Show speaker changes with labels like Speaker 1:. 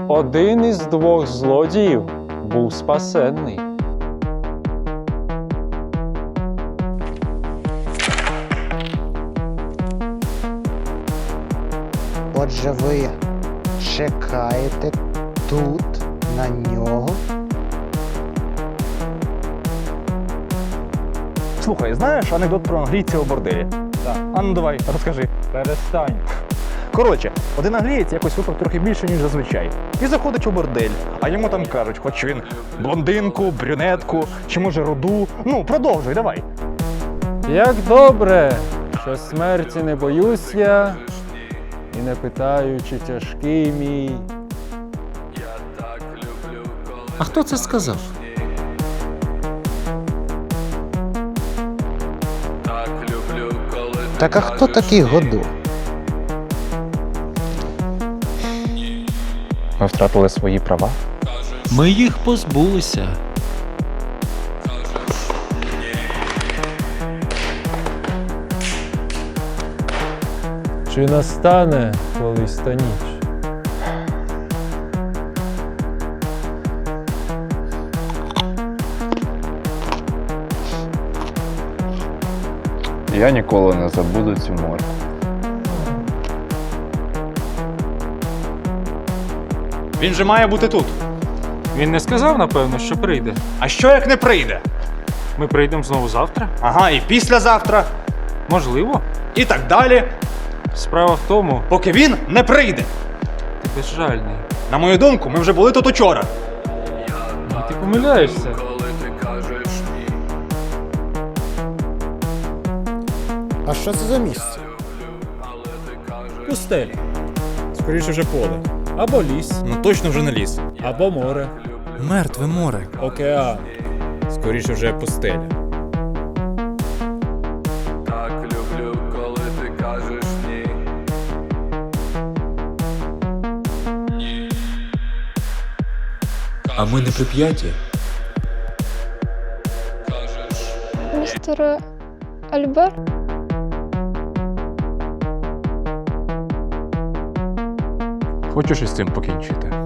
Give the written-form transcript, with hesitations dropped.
Speaker 1: один із двох злодіїв був спасенний.
Speaker 2: Отже, ви чекаєте тут на нього?
Speaker 3: Слухай, знаєш анекдот про англійця у борделі?
Speaker 1: Так.
Speaker 3: А ну давай, розкажи.
Speaker 1: Перестань.
Speaker 3: Коротше, один англієць якось випив трохи більше, ніж зазвичай. І заходить у бордель, а йому там кажуть, хоч він блондинку, брюнетку, чи може руду. Ну, продовжуй, давай.
Speaker 1: Як добре, що смерті не боюсь я, і не питаю, чи тяжкий мій.
Speaker 4: А хто це сказав?
Speaker 2: Так а хто такий Годо?
Speaker 3: Ми втратили свої права.
Speaker 4: Ми їх позбулися.
Speaker 1: Чи настане колись та ніч?
Speaker 5: Я ніколи не забуду цю морку.
Speaker 3: Він же має бути тут.
Speaker 6: Він не сказав, напевно, що прийде.
Speaker 3: А що як не прийде?
Speaker 6: Ми прийдемо знову завтра?
Speaker 3: Ага, і післязавтра,
Speaker 6: Можливо.
Speaker 3: і так далі,
Speaker 6: Справа в тому,
Speaker 3: поки він не прийде.
Speaker 6: ти безжальний.
Speaker 3: На мою думку, ми вже були тут учора.
Speaker 6: Ти помиляєшся.
Speaker 7: А що це за місце?
Speaker 8: Пустеля. Скоріше вже поле. Або ліс,
Speaker 7: Ну точно вже не ліс.
Speaker 8: або море.
Speaker 7: Мертве море.
Speaker 8: Океан. Скоріше вже пустеля.
Speaker 4: А ми не прип'яті.
Speaker 9: Містер Альбер?
Speaker 3: Хочеш із цим покінчити?